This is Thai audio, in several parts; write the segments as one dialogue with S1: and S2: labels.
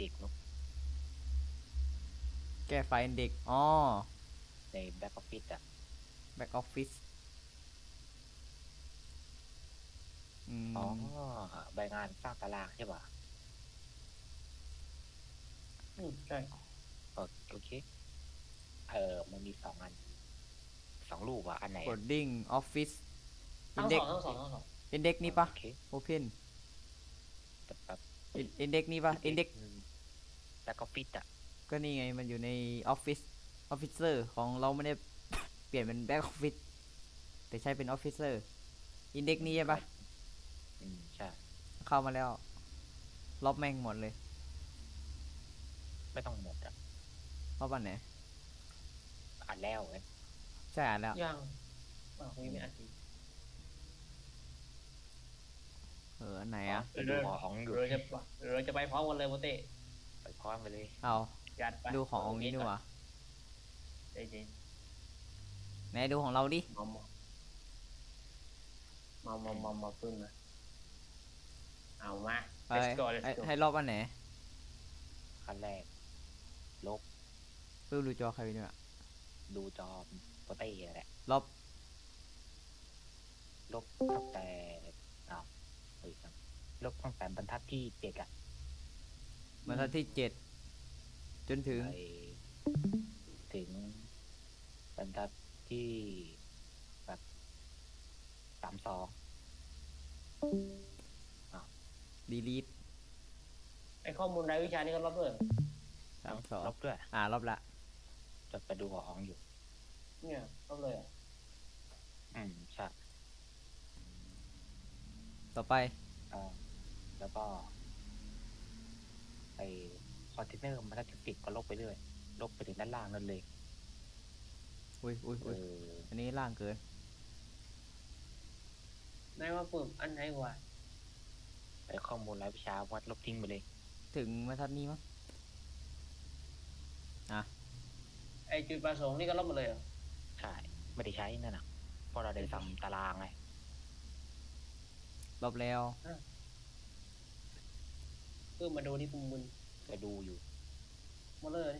S1: ด็กเนอะ
S2: แก้ไฟล์เด็กอ๋อ
S1: ในแบ็กออฟฟิศอ่ะ
S2: แบ็กออฟฟิศอื
S1: อ๋อ
S2: ม
S1: ใบงานสร้างตารางใช่ป่ะ
S3: ใช่
S1: โอเคมันมี2 อัน2 รูปอ่ะอันไหน
S2: โคดดิ้งออฟฟิศอิน
S3: ทั้ง
S2: เด็ก
S3: สองทั้งสองทั้งสอง
S2: อินเด็กนี่ปะ
S1: โอเค
S2: โอเพน
S1: แบบ
S2: อินเด็กนี่ปะอินเด็ก
S1: แบ็กออฟฟิศอ่ะ
S2: ก็นี่ไงมันอยู่ในออฟฟิศออฟฟิเซอร์ของเราไม่ได้เปลี่ยนเป็นแบ็กออฟฟิศแต่ใช้เป็นออฟฟิเซอร์อินเด็กนี่ใช่ปะ
S1: ใช่
S2: เข้ามาแล้วลบแม่งหมดเลย
S1: ไม่ต้องหมดอ่ะ
S2: ลบอันไหน
S1: อ่านแล้วเว้ย
S2: ใช่อ่านแล้ว
S3: ยังคุยไม่อัดอีก
S2: อันไหน
S1: อ๋อ
S2: อ่ะ
S1: ไปดูของอยู่
S3: เราจะไปพร้อมกันเลยโมเต้
S1: ไปพร้อมไปเลย
S2: เอา
S3: จัดไป
S2: ดูขององค์นี้ดีกว่า
S3: ใจเย็น
S2: ไหนดูของเราดิ
S3: มาพึ่งนะเอามา
S2: ไป
S3: let's go let's go
S2: ให้รอบอันไหน
S1: ขั้นแรกลบ
S2: เพิ่งดูจอใครไปเนี่ย
S1: ดูจอโปรเต้แหละ
S2: รอบ
S1: ลบตั้งแต่อ้าวเฮ้ยลบตั้งแต่บรรทัดที่7อ่ะ
S2: บรรทัดที่7จนถึง
S1: ไปถึงบรรทัดที่แบบ32
S2: ดีลีท
S3: ไอข้อมูลรายวิชานี่ก็รับด้วย
S2: 32
S1: ลบด้วย
S2: รอบละ
S1: จะไปดูของอยู่
S3: เนี่ยรับเลย
S1: ใช่
S2: ต่อไป
S1: แล้วก็ไอคอนเทนเนอร์มันจะติดก็ลบไปเรื่อยลบไปถึงด้านล่างนั่นเลย
S2: อุ้ยอันนี้ล่างเกิน
S3: นายว่าปุ่มอันไหนวะ
S1: ไอข้อมูลรายวิชาวัดลบทิ้งไปเลย
S2: ถึงบรรทัดนี้มั้ง
S3: ไอจุดประสงค์นี่ก็รับมาเลยเหรอ
S1: ใช่ไม่ได้ใช้นั่นน่ะเพราะเราได้ทำตารางไง
S2: รอบแล้ว
S3: เพิ่มมาดูที่ปุ่มมึน
S1: ไปดูอยู่
S3: มาเลย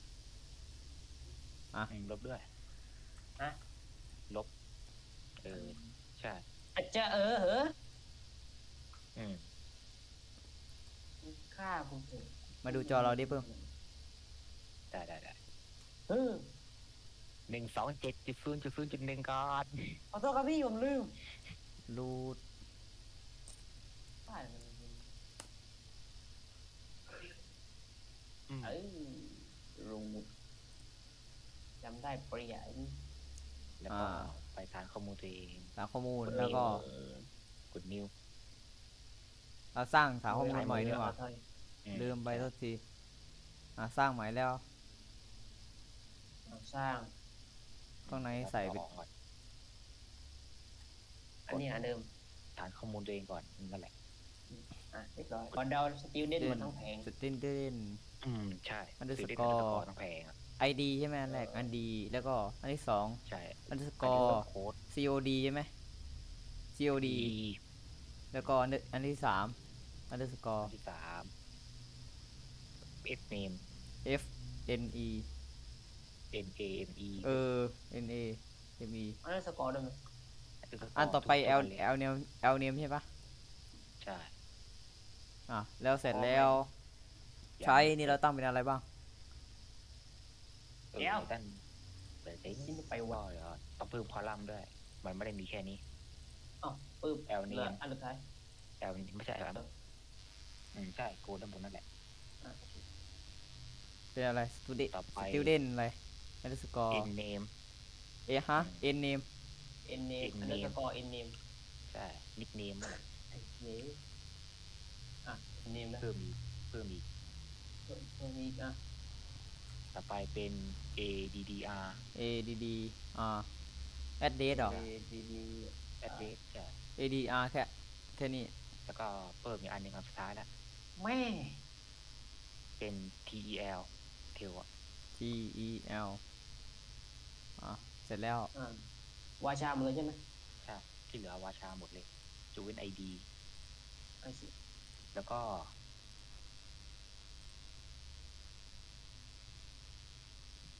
S1: ลบด้วยลบใช่
S3: อาจจะเหรอฆ่าผมเถอะ
S2: มาดูจอเราดิเพิ่ม
S1: ได้127.0.0.1ก่อน
S3: ขอโทษครับพี่ผมลืม
S2: รูด
S3: รุงจำได้เปลี่ยน
S1: แล้วก็ไปฐานข้อมูลตัวเอง
S2: ฐานข้อมูลแล้วก็
S1: กดนิว
S2: เราสร้างฐานข้อมูลใหม่ดีกว่าลืมไปทุกทีสร้างใหม่แล้ว
S3: สร้าง
S2: ข้างในใส่ไป
S3: อันนี้เดิม
S1: ฐานข้อมูลตัวเองก่อนนั่นแหละ
S3: เรียบร้อยก่อนดาวสติลเด่นมันทั้งแผง
S2: สติลเด่น
S1: ใช่
S2: อันดับสกอร์
S1: ทั้งแผง
S2: ID ใช่ไหมอันแรกอันดีแล้วก็อันที่2
S1: ใช่
S2: อันดับสกอร์ COD ใช่ไหม COD แล้วก็อันที่3อันดับสกอร์
S1: อันที่3 F name
S2: FNE
S1: NAME
S2: NA ME
S3: อันนั้นสกอร์ได้ไหม
S2: อันต่อไป L name ใช่ปะ
S1: ใช่
S2: แล้วเสร็จแล้วใช้นี่เราตั้งเป็นอะไรบ้าง
S1: ด้านเดี๋ยวจะไปว่าต้องเพิ่มคอลัมน์ด้วยมันไม่ได้มีแค่นี้
S3: ปึ๊บ
S1: L name
S3: อันสุดท้าย
S1: L ไม่ใช่ครับใช่โกด้านบนนั่นแหละ
S2: เป็นอะไร student อะไรอันดับสกอร์
S1: N name
S2: N name
S3: N name อันนั้นสกอร์ N name
S1: ใช่ nickname
S3: นี่name นะ
S1: เพิ่มอีกต่อไปเป็น ADDR
S2: address หรอ
S1: address ใช่
S2: ADR แค่นี้
S1: แล้วก็เพิ่มอีกอันหนึ่งอันสุดท้ายแล้ว
S3: แม่
S1: เป็น TEL tel
S2: TEL เสร็จแล้ว
S3: วาชาหมดเลยใช่ไหม
S1: ใช่ที่เหลือวาชาหมดเลยจูเวน ID
S3: ไอ้สิ
S1: แล้วก็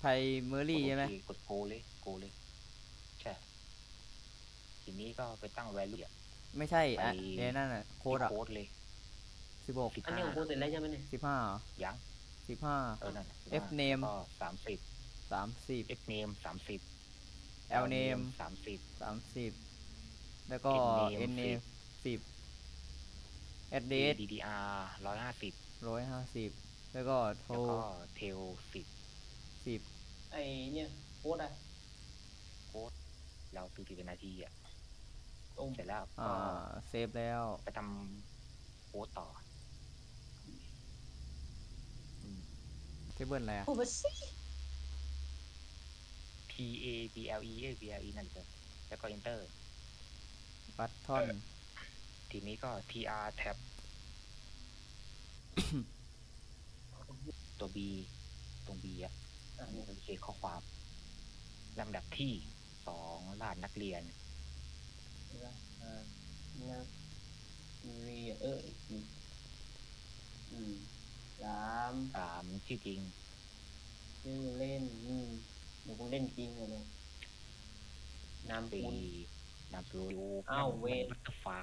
S2: primary ใช่ไหม
S1: โอเคกดโกเลยโกเลยใช่ทีนี้ก็ไปตั้ง value อะ
S2: ไม่ใช่
S1: ไป
S2: เดี๋ยวนั่นอ่ะโค้
S1: ที่
S2: ดอ่ะ
S1: โค้ดเลย
S2: 16
S3: อันนี้ของกูเสร็จแล้วใช่ไหมเนี่ย
S2: 15
S1: ยัง
S2: 15
S1: นั่นน่ะ
S2: F name
S1: แล้วก็30
S2: 30
S1: F name 30
S2: L name
S1: 30
S2: 30 แล้วก็
S1: N
S2: N
S1: name
S2: name 10 address
S1: ADDR 150
S2: 150 แล้วก็
S1: แล้วก็ tail 10
S2: 10
S3: ไอเนี่ยโค้ดอะ
S1: เราตื่นเป็นนาทีอ่ะ
S3: ตรง
S1: เสร็จแล้ว
S2: อ่า
S1: ก็
S2: เซฟแล้ว
S1: ไปทำโค้ดต่ออืม
S2: เทเบิลอะไรอ่ะ
S3: โอ้มาสิ
S1: TABLE นั่นเลยแล้วก็ enter
S2: บัตทอน
S1: ทีนี้ก็ TR tab ตัว B ตรง B อ่ะ
S3: อ่ะเนี่ย
S1: เป็นเขียนข้อความลำดับที่2ลาดนักเรียน
S3: นะนักเรียนอีกทีสาม
S1: 3ชื่อจริง
S3: ชื่อเล่นเดี๋ยวกูเล่นจริงเลยเนี่ยนาม
S1: 4
S3: คุณ
S1: นามสกุล
S3: อ้าวเวท
S1: บัตเตอร์ไฟ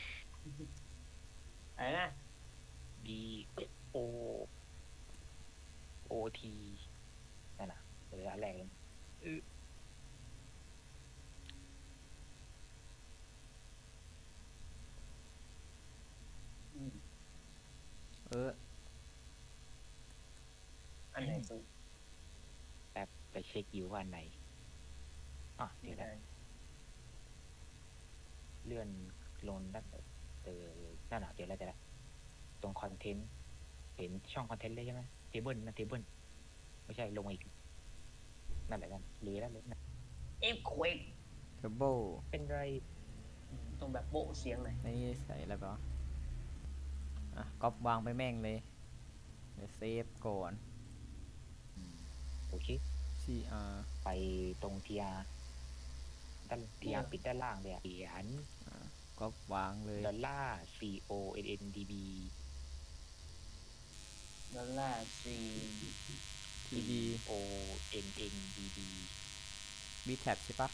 S3: อะไรนะ
S1: B O O T นั่นน่ะเลยอันแรกเลย
S3: อืม
S2: เออ
S3: อันไหนสุด
S1: แป๊บไปเช็คอยู่ว่าอันไหนเดี๋
S3: ไม่
S1: ยว
S3: ได้
S1: นะเลื่อนลงด้านนั่นน่ะเดี๋ยวเราจะตรงคอนเทนต์เห็นช่องคอนเทนต์เลยใช่ไหมเทเบิลนั่นเทเบิลไม่ใช่ลงมาอีกนั่นแหละนั่นหรือนั่นเลยนะ
S3: เอฟเควก
S2: เทเบิล
S1: เป็นไร
S3: ต้องแบบโบะเสียงหน่อย
S2: ในนี้ใส่อะไรไปวะอ่ะก๊อปวางไปแม่งเลย เดี๋ยวเซฟก่อน
S1: โอเค
S2: CR
S1: ไปตรงทีอาด้านทีอาปิดด้านล่างเลยเขียน
S2: ก๊อปวางเลย
S1: $CONNDB
S3: ดอลลาร์สี่
S2: TD
S1: ONNDB
S2: B tab ใช่ปะ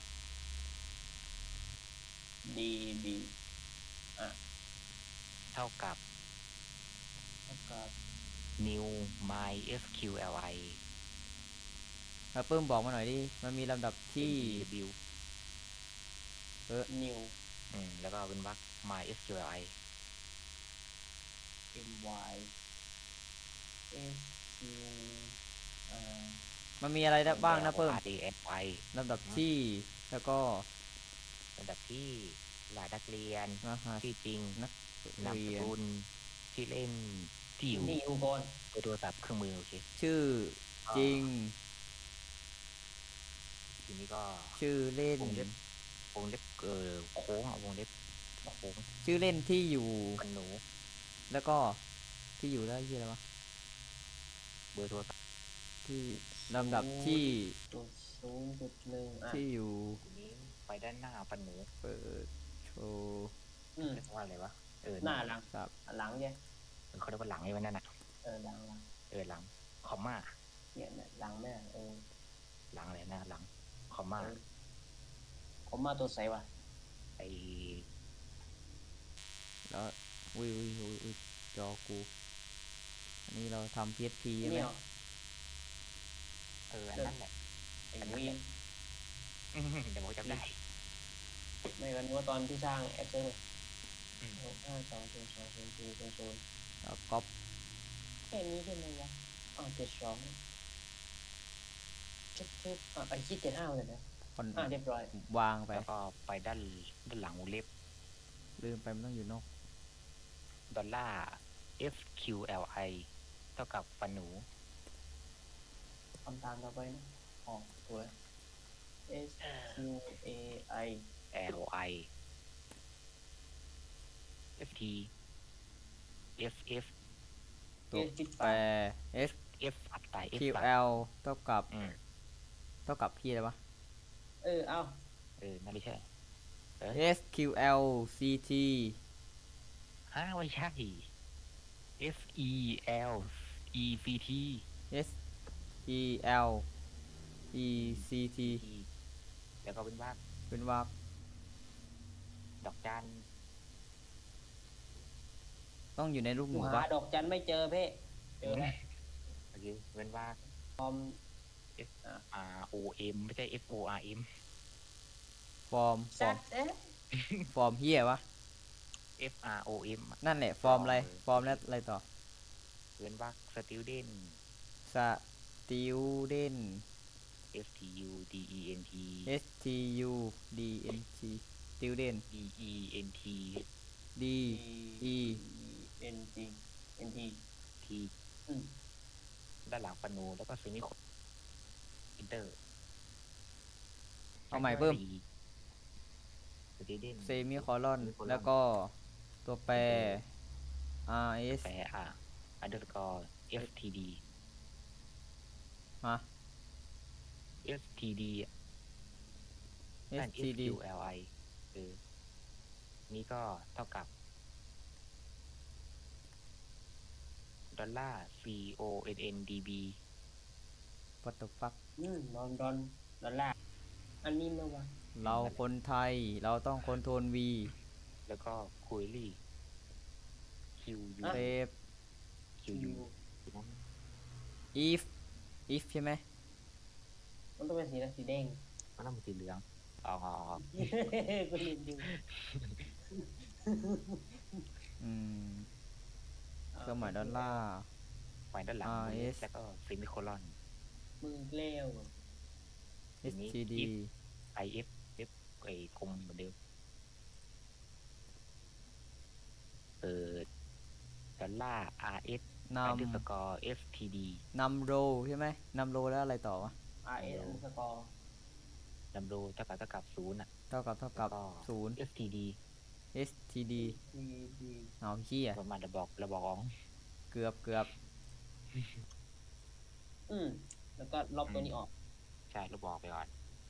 S3: ดีบี
S1: เท่ากับ
S3: แล้วก็
S1: new mysqli
S2: แล้วเพิ่มบอกมาหน่อยดิ มันมีลำดับที่
S1: w
S3: นิว
S1: แล้วก็เป็นวรรค mysqli
S3: M Y S Q
S2: มันมีอะไรได้บ้างนะเพิ่ม
S1: RAFI
S2: ลำดับที่ แล้วก็
S1: ลำดับที่รหัสนักเรียน
S2: รหัส
S1: ที่จริง
S2: นัก
S1: นาม
S2: เรี
S1: ส
S2: ยน
S1: กุลที่เล่นที่อยู่
S3: นิวก่อน
S1: เบอร์โทรศัพท์เครื่องมือโอเค
S2: ชื่อจริง
S1: ทีนี้ก็
S2: ชื่อเล่น
S1: วงเล็บโค้งวงเล็บโค้ง
S2: ชื่อเล่นที่อยู่
S1: กันหนู
S2: แล้วก็ที่อยู่แล้วยี่อะไรวะ
S1: เบอร์โทรศัพท์
S2: ที่ลำดับที่
S3: 0.1
S2: ที่อยู่
S1: ทีนี้ไปด้านหน้าปันหนู
S2: เปิดโชว์
S1: เรียกว่าอะไรวะ
S3: หน้าหลัง
S2: สับ
S3: หลังใช่
S1: เขาเรียกว่าหลังไอ้วันนั้นน่ะ
S3: หลัง
S1: หลังคอมมา
S3: เนี่ยหลังแม่
S1: หลังอะไรนะหลังคอมมา
S3: ผมมาตัวใสวะ
S1: ไอ
S2: แล้วอุ้ยจอกู อันนี้เราทำ PHP ใช่ไหม
S3: เนี่ย
S1: อันนั้นแหละ
S3: ไอ้วีน
S1: เดี๋ยวผมจำได้
S3: ไม่กันว่าตอนที่สร้างแอปเซอร์
S1: อืม
S3: 5 2 0 2 0 0
S2: แล้วก๊อป
S3: แค่นี้ใช่ไหมวะ72ชุบไอ้คิด75เลยนะ
S2: คอน
S3: เรียบร้อยว
S2: างไป
S1: แล้วก็ไปด้านหลังวงเล็บ
S2: ลืมไปมันต้องอยู่นอก
S1: $FQLI เท่ากับปันหนู
S3: ทำตามต่อไปนะสวย S Q A I
S1: LI FT FF
S2: ตัว
S3: จิต
S2: แปร S
S1: F อัดตาย F
S2: Q
S1: ตาย
S2: L เท่ากับ
S1: อืม
S2: เท่ากับพี่อะไรวะ
S3: เอา
S1: นั่นไม่ใช่
S2: S Q L C T
S1: ไม่ใช่ FEL EVT
S2: S E L E C T
S1: E แล้วก็เป็นว่า
S2: เป็นวรรค
S1: ดอกจัน
S2: ต้องอยู่ในรูปห
S3: กู
S2: มู่
S3: หา
S2: ปะ
S3: ดอกจันไม่เจอเพ่เจอแล้ว
S1: โอเคเป็นว่า
S3: ฟอร์ม
S1: F R O M ไม่ใช่ F O R M
S2: ฟอร์ม
S3: ซัดเอ๊ะ
S2: ฟอร์มเฮียวะ
S1: F R O M
S2: นั่นแหละฟอร์มอะไร ฟอร์มแล้วอะไรต่อ
S1: เป็นว่า student
S2: สติวเดน
S1: S T U D E N T
S2: S T U D N T สติวเดน
S1: D E N T
S2: D E
S3: N T N T
S1: T
S3: อืม
S1: ด้านหลังปนูแล้วก็เซมิโคอินเตอร์
S2: เอาใหม่เพิ่ม
S1: student
S2: เซมิคอลอน แล้วก็ตัวแปร R S
S1: แปลunderscore F T D
S2: ฮะ
S1: F T D
S2: S
S1: นั่น
S2: T
S1: F
S2: D
S1: U L I นี่ก็เท่ากับดอลลาร์ C O N N D B
S2: What the fuck
S3: ดอลลาร์อันนี้เมื่อวาน
S2: เราคนไทย เราต้องคอนโทรล V
S1: แล้วก็คุยลี่ Q U
S2: เซฟ
S1: Q U
S2: if if ใช่ไหม
S3: มันต้องเป็นสีอะไรสีแดง
S1: มันต้องเป็นสีเหลืองอ๋อ
S3: กูลืมดู
S2: อืมเครื่องหมายดอลลาร์
S1: ไว้ด้านหลัง
S2: R S
S1: แล้วก็เซมิโคลอน
S3: มือเกลี้ยว
S1: ที
S2: S
S1: นี้
S2: T D
S1: I F F ไอ้กลมเหมือนเดิมดอลลาร์ R S
S2: น
S1: underscore F T D
S2: ำนำโรใช่ไหมนำโรแล้วอะไรต่อวะ
S3: R S อันสกอร์
S1: ลำโดเท่ากับศูนย์อ่ะ
S2: เท่ากับ
S1: แล้วก็
S2: ศูนย์
S1: F T D
S2: S T D
S3: T D
S2: เอาเฮีย
S1: ประมาณระบอกอ๋อง
S2: เกือบ
S3: แล้วก็ลบตัวนี้ออก
S1: ใช่ระบอกไปก่อน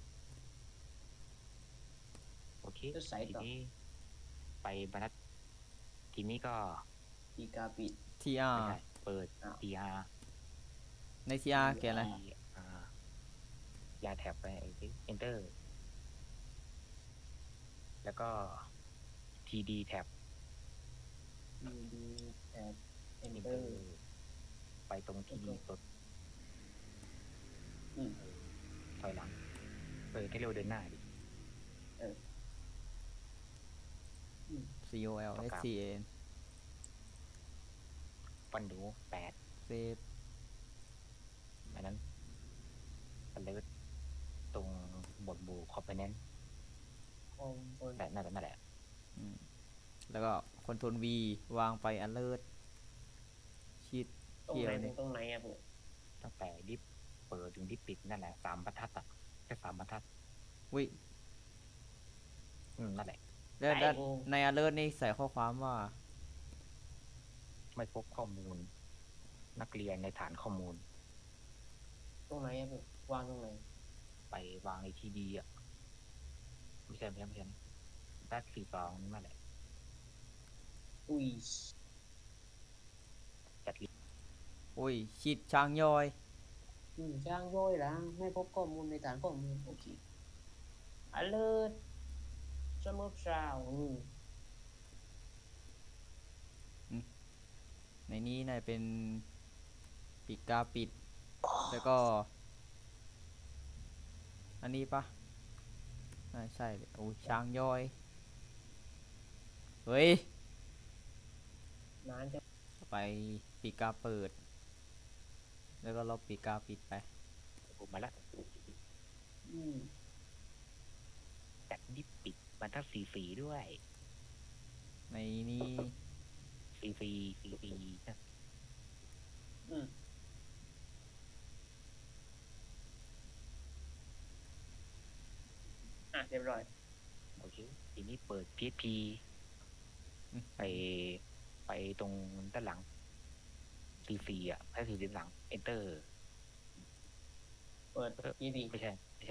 S1: โอเค
S3: ก็ใส่
S1: ที
S3: ต่อ
S1: นี้ไปบรรทัดทีนี้ก็
S3: อีกาปิด
S2: T R
S1: ไม่ใช่เปิด
S3: อ้าว
S1: T R
S2: ใน T R เขียนอะไร
S1: ยาแท็บไปenter แล้วก็ TD แท็บ
S3: T D แท็บ
S1: enter
S3: enter
S1: ไปตรง TD กด
S3: อืม
S1: ถอยหลังให้เร็วเดินหน้าดิ
S2: C O L S T A N
S1: ฟันดู8
S2: เซฟ
S1: อันนั้นอันเลิศตรงบทบูคอมโพเนนต์
S3: คอมบน
S1: แต่นั่นแหละ
S2: แล้วก็คอนโทรล V วางไป alert ชีด
S3: ตรง
S2: เขีย
S3: ไหน
S2: ว
S3: ถึ
S2: นี่
S3: งตรงไหนอะผม
S1: ตั้งแต่ดิฟเปิดถึงดิฟปิดนั่นแหละ3 บรรทัดอ่ะแค่3 บรรทัด
S2: วิ
S1: นั่นแหละ
S2: แล้วใน alert นี่ใส่ข้อความว่า
S1: ไม่พบข้อมูล นักเรียนในฐานข้อมูล
S3: ตรงไหนอะผมวางตรงไหน
S1: ไปวางในทีดีอ่ะไม่ใช่ด้าน42นั่นแหละ
S3: อุ้ย
S1: จัดลิ
S2: โอ้ยชีดช้างย่อย
S3: จ้างย่อยละไม่พบข้อมูลในฐานข้อมูลโอเค alert สมุดเช้า
S2: ในนี้น่าจะเป็นปิดกาปิด แล้วก็ อันนี้ปะน่าใช่เลยโอ้ยช้างย่อย เฮ้ย
S3: นานจะ
S2: ไปปีกาเปิด แล้วก็ลบปีกาปิดไป
S1: ผมมาละ
S3: อืม
S1: จัดดิฟปิดบรรทัด44ด้วย
S2: ในนี้
S1: 44นะ
S3: อืมเรียบร้อย
S1: โอเคทีนี้เปิด PHP
S2: อืม
S1: ไปตรงด้านหลัง 44อ่ะให้ถือด้านหลัง enter
S3: เปิดยี่ดี
S1: ไม่ใช่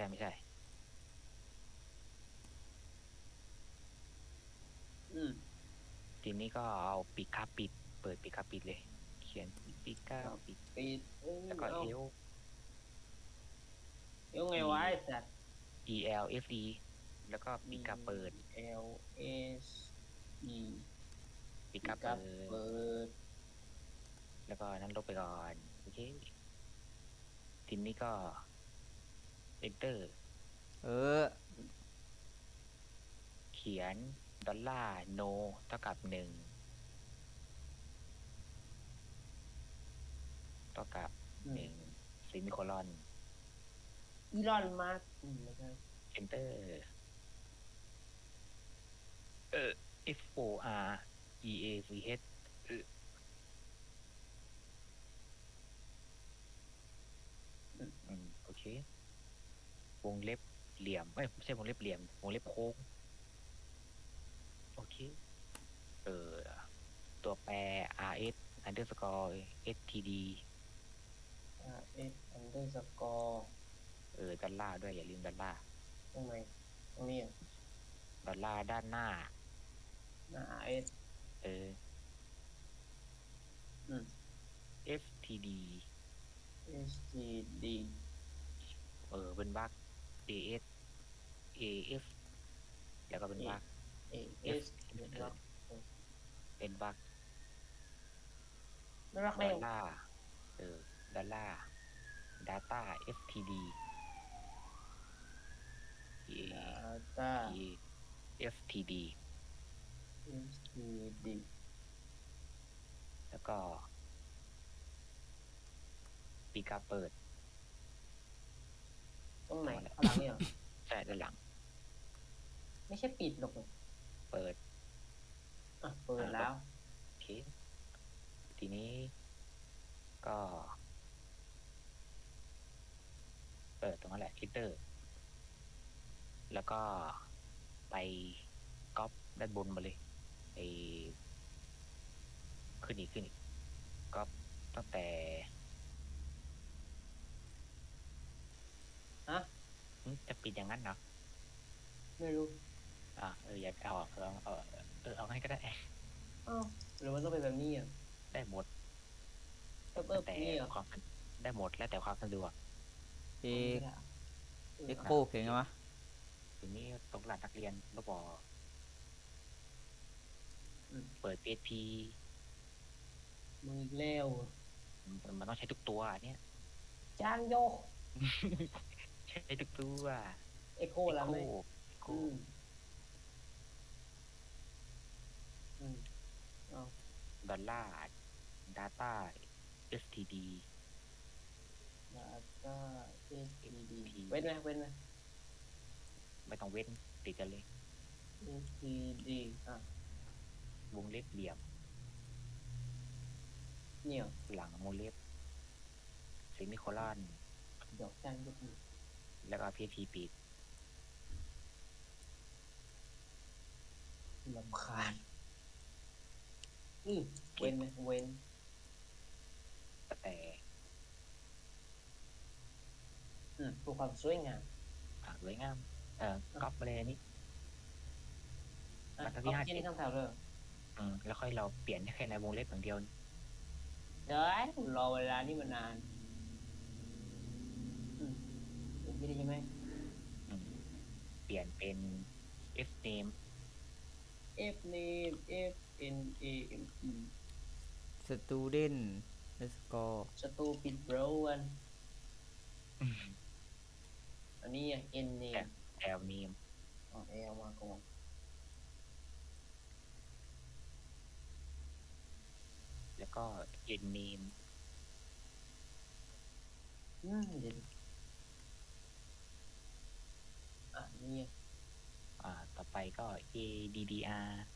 S3: อืม
S1: ทีนี้ก็เอาปีกคาปิด เปิดปีกคาปิดเลย เขียนปีกคาปิด
S3: ปิด
S1: แล้วก็
S3: เอา
S1: เอล
S3: เดี๋ยวไงสัตว์
S1: ELFE แล้วก็ปีกาเปิด
S3: L S E
S1: ปี
S3: ปี
S1: กา
S3: กั
S1: เปิ
S3: บ
S1: ด
S3: เปิด
S1: แล้วก็นั้นลบไปก่อนโอเคทีนี้ก็ enter
S2: เออ
S1: เขียนดอลลาร์ no เท่ากับ1เท่ากับ1ซิมิโคลอน
S3: อีลอนมาร์กไม่ใช่
S1: enter FOREAVH โอเควงเล็บเหลี่ยมไม่ใช่วงเล็บเหลี่ยมวงเล็บโค้งโอเคตัวแปร RS underscore STD
S3: S underscore
S1: ดอลลาร์ด้วยอย่าลืมดอลลาร์
S3: ตรงไหนตรงนี้อ่ะ
S1: ดอลลาร์ด้านหน้า
S3: หน้า S
S1: เออ
S3: อืม
S1: FTD
S3: S T D
S1: เป็นบัก AS AF แล้วก็เป็นบัก
S3: A S
S1: เป็นบัก
S3: ไม่รัก
S1: ด
S3: เร็
S1: อ
S3: ว
S1: ลลาร์ดอลลาร์ data FTD
S3: Data
S1: FTD
S3: S T D
S1: แล้วก็ปีกาเปิด
S3: ตรงไหนข้างหลังเนี่ยเหรอ
S1: ใช่ด้านหลัง
S3: ไม่ใช่ปิดหรอกเหรอ
S1: เปิด
S3: อ่ะเปิดแล้ว
S1: โอเคทีนี้ก็เปิดตรงนั้นแหละ enter แล้วก็ไปก๊อปด้านบนมาเลยไอขึ้นอีกก๊อปตั้งแต่
S3: ฮะ
S1: จะปิดอย่างนั้นเนาะ
S3: ไม่รู้
S1: อย่าเอาออกเอาให้ก็ได้
S3: อ้าวหรือมันต้องเป็นแบบนี้อ่ะ
S1: ได้หมด
S3: แต่
S1: แต่
S3: นี่เหรอ
S1: ความได้หมดแล้วแต่ความสะดวก
S2: เอ
S3: ไม่ได้อะ
S2: เอ็กโคเขียนไงวะ
S1: ทีนี้ตรงหลักนักเรียนก็บอกเปิด PHP
S3: มึงอีกแล้วอะ
S1: มันต้องใช้ทุกตัวเนี่ย
S3: จ้างโยก
S1: ใช้ทุกตัว
S3: เอ็กโคแล้วไหม
S1: โค
S3: อืมเอา
S1: ดอลลาร์ data std
S3: Data S T D เว้นไหมเว้นไหม
S1: ไม่ต้องเว้นติดกันเลย
S3: S T D อ่ะ
S1: วงเล็บเหลี่ยม
S3: เนี่ย
S1: หลังวงเล็บเซมิโคลอน
S3: ดอกจ้างยกมือ
S1: แล้วก็ PHP ปิด
S3: ลำคาญเว้นไหมเว้น
S1: แต่
S3: เพื่อความสวยงาม
S1: สวยงามก๊อปมาเลยอันนี้
S3: อ่ะ
S1: มันก็
S3: เอา
S1: ที่
S3: แค่นี้คำถามเลย
S1: แล้วค่อยเราเปลี่ยนแค่ในวงเล็บอย่างเดียว
S3: เดี๋ยวรอเวลานี่มันนานอย่างนี้ได้ใช่ไหม
S1: เปลี่ยนเป็น f name
S3: F name F N A M E
S2: สตูเดนเลสกอ
S3: stupid bro อันนี้อ่ะ N name
S1: l name
S3: อ๋อ L มาก่อน
S1: แล้วก็ n name
S3: เดี๋ยวนี่
S1: ต่อไปก็ addr
S3: ดี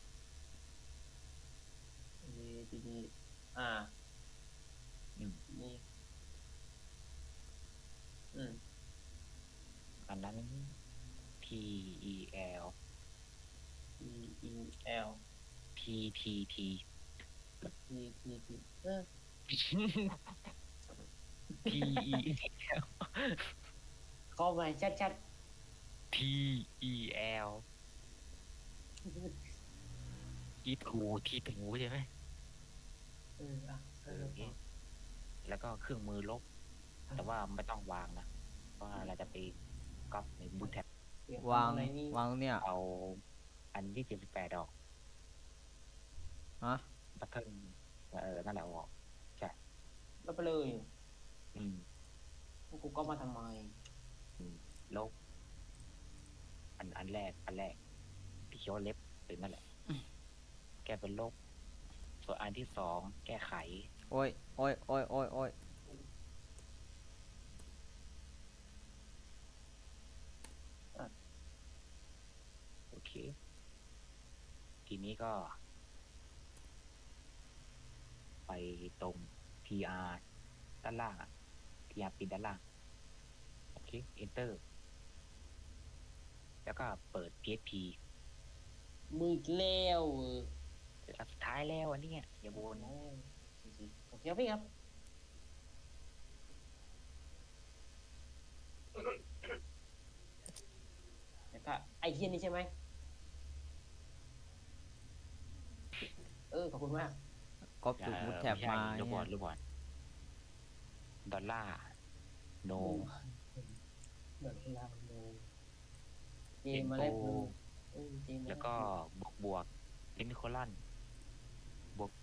S3: อ่า
S1: อืม
S3: นี่
S1: อันนั้น tel
S3: E E L
S1: ttt
S3: T T T
S1: tel
S3: เข้ามาชัด
S1: tel ที่ถูใช่ไหม
S3: อ่ะ
S1: แล้วก็เครื่องมือลบ แต่ว่าไม่ต้องวางนะเพราะว่าเราจะไปก๊อปในบูทแท็บ
S3: เดี๋ยว
S2: วาง
S3: ทำอะไรนี่
S2: วางตรงเนี้ย
S1: เอาอันที่78ออก
S2: ฮะ
S1: บัตเทิลนั่นแหละเอาออก
S3: แล้วไปเลย
S1: อืม
S3: กูก็มาทำไม
S1: ลบอันแรกที่เขียวาเล็บหรือนั่นแหละ แก้เป็นลบ ส่วนอันที่สองแก้ไข
S2: โอ้ยโอ้ยโอ้ยโอ้ยโอ้ย
S1: โอเค ทีนี้ก็ ไปตรง TR ด้านล่างอะ TR ปิดด้านล่าง โอเค Enter แล้วก็เปิด PHP
S3: มืออีกแล้ว
S1: อันสุดท้ายแล้วอันเนี้ยอย่าบน
S3: โอเคครับพี่ครับแล้วก็ไอเทียนนี่ใช่ไหมขอบคุณมาก
S2: ก๊อปจุดมุดแถบมา
S1: รูปบอ
S2: เนี่ย
S1: ลดอลลาร์โน
S3: เดี๋ยวลาโนเจมมาเล่นเจม
S1: แล้วก็บวกเซมิโคลอนบวก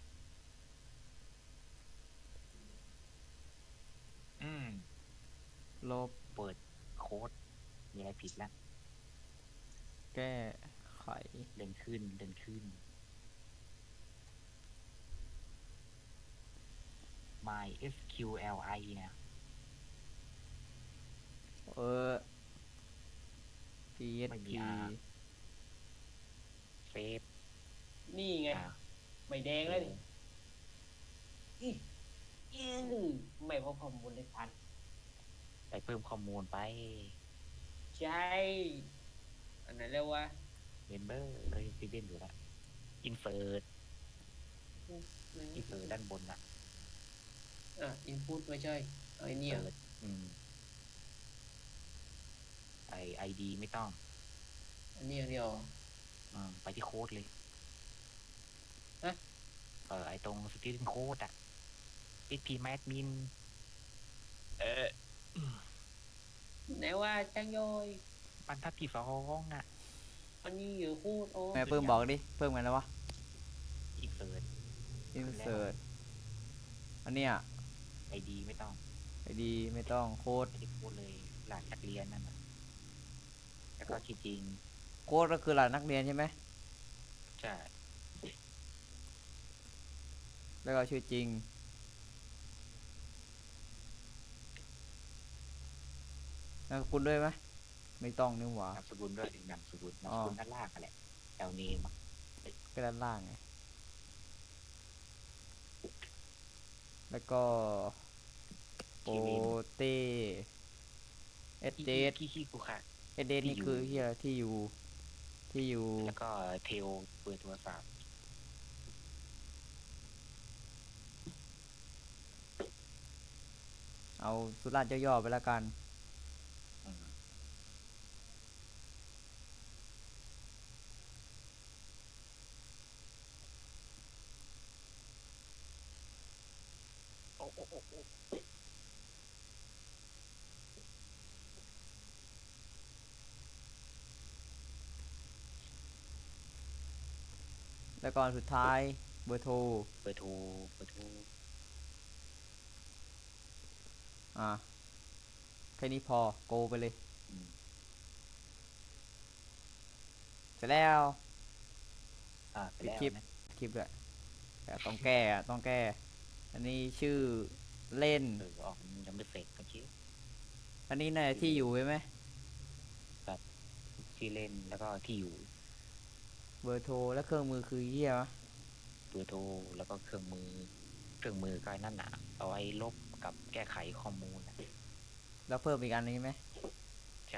S2: ลบ
S1: เปิดโค้ด มีอะไรผิดแล้ว
S2: แก้ไข
S1: เดินขึ้น my SQLI เนี่ย ไม่มี
S2: PHP
S1: R เฟซ
S3: นี่ไง ไม่แดงเลยนี่ไม่พบข้อมูลเลยทัน
S1: ไปเพิ่มข้อมูลไป
S3: ใช่ อันไหนเรียกว่า
S1: member ซีเดนอยู่แล้ว insert ด้านบนอ่ะ
S3: input ไม่ใช่ไอ้เนี่ย
S1: insert ID ไม่ต้อง
S3: อันนี้อย่างเดียว
S1: ไปที่โค้ดเลย
S3: ฮะ
S1: ไอตรง student code อ่ะ PHP admin
S3: ไหนว่าจังโยย
S1: บรรทัดที่2อ่ะ
S3: อันนี้อยู่พูดโอ้
S2: แม่เพิ่มบอกดิ เพิ่มกันแล้ววะ
S1: insert
S2: insert อันเนี้ย
S1: ID ไม่ต้อง
S2: ID ไม่ต้องโค้ด
S1: ไม่ได้โค้ดเลยหลักนักเรียนนั่นน่ะแล้วก็ที่จริง
S2: โค้ดก็คือรหัสนักเรียนใช่ไหม
S1: ใช่
S2: แล้วก็ชื่อจริง นามสกุลด้วยไหม ไม่ต้องนี่หว่าน
S1: ามสกุลด้วยนามสกุลด้านล่างกันแหละแถวนี้มา
S2: ก็ด้านล่างไง แล้วก็ โปเต้เอสเดส
S1: ขี้กูค่ะ
S2: เอสเดสนี่คือที่อะไรที่อยู่
S1: แล้วก็เทลเปิดโทรศัพท์
S2: เอาสุราษฎร์ย่อๆไปแล้วกัน แล้วก็สุดท้ายเบอร์โทร
S1: เปิดโทร
S2: แค่นี้พอโกไปเลย
S1: อืม
S2: เสร็จแล้ว
S1: ไปแล้ว
S2: คลิป
S1: นะ
S2: คลิปด้วยแต่ต้องแก้ อันนี้ชื่อเล่น
S1: ออกยังไม่เสร็จเมื่อกี้
S2: อันนี้น่าจะที่อยู่ใช่ไหม
S1: ที่เล่นแล้วก็ที่อยู่
S2: เบอร์โทรและเครื่องมือคือเหี้ยวะ
S1: เบอร์โทรแล้วก็เครื่องมือก็ไอ้นั่นน่ะเอาไว้ลบกับแก้ไขข้อมูลน่ะ
S2: แล้วเพิ่มอีกอันนึงใช่ไหม
S1: ใช่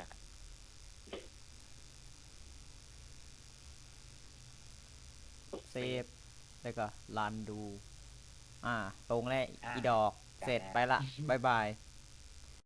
S2: เซฟแล้วก็รันดู ตรงแล้วอีดอก เสร็จไปละ บ๊ายบาย